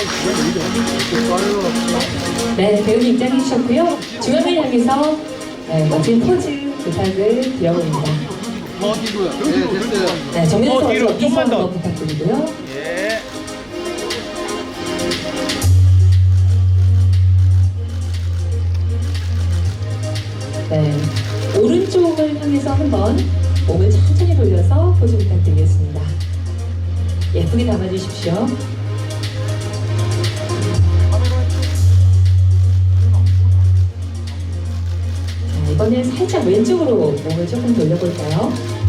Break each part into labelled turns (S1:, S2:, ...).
S1: 네, 배우님 입장해 주셨고요. 중앙을 향해서 멋진 포즈 부탁을 드려봅니다. 네, 정면에서
S2: 뒤로,
S1: 어깨
S2: 좀만 더.
S1: 한번 부탁드리고요.
S2: 예.
S1: 네, 오른쪽을 향해서 한번 몸을 천천히 돌려서 포즈 부탁드리겠습니다. 예쁘게 담아주십시오. 자, 이번엔 살짝 왼쪽으로 몸을 조금 돌려볼까요?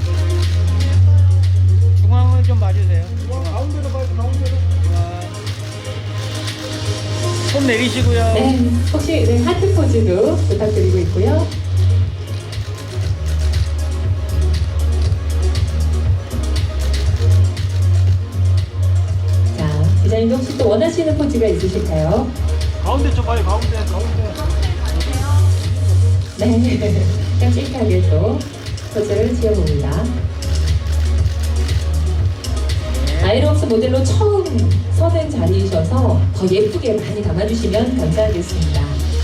S2: 중앙을 좀 봐주세요.
S3: 가운데로 봐요, 가운데로.
S2: 손 내리시고요.
S1: 네, 혹시 네, 하트 포즈도 부탁드리고 있고요. 자, 디자인도 혹시 또 원하시는 포즈가 있으실까요?
S3: 가운데 좀 봐요, 가운데, 가운데.
S1: 네, 깜찍하게 또 포즈를 지어봅니다. 아이로스 모델로 처음 서는 자리이셔서 더 예쁘게 많이 담아주시면 감사하겠습니다.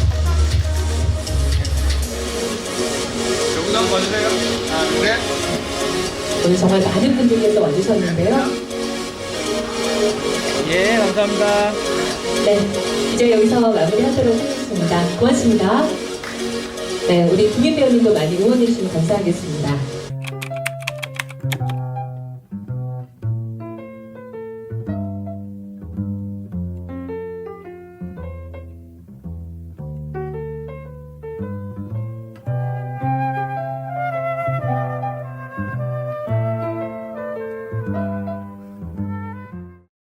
S3: 영상 봐주세요. 하나, 둘,
S1: 오늘 정말 많은 분들께서 와주셨는데요.
S2: 예, 감사합니다.
S1: 네, 이제 여기서 마무리하도록 하겠습니다. 고맙습니다. 네, 우리 김인 배우님도 많이 응원해주시면 감사하겠습니다.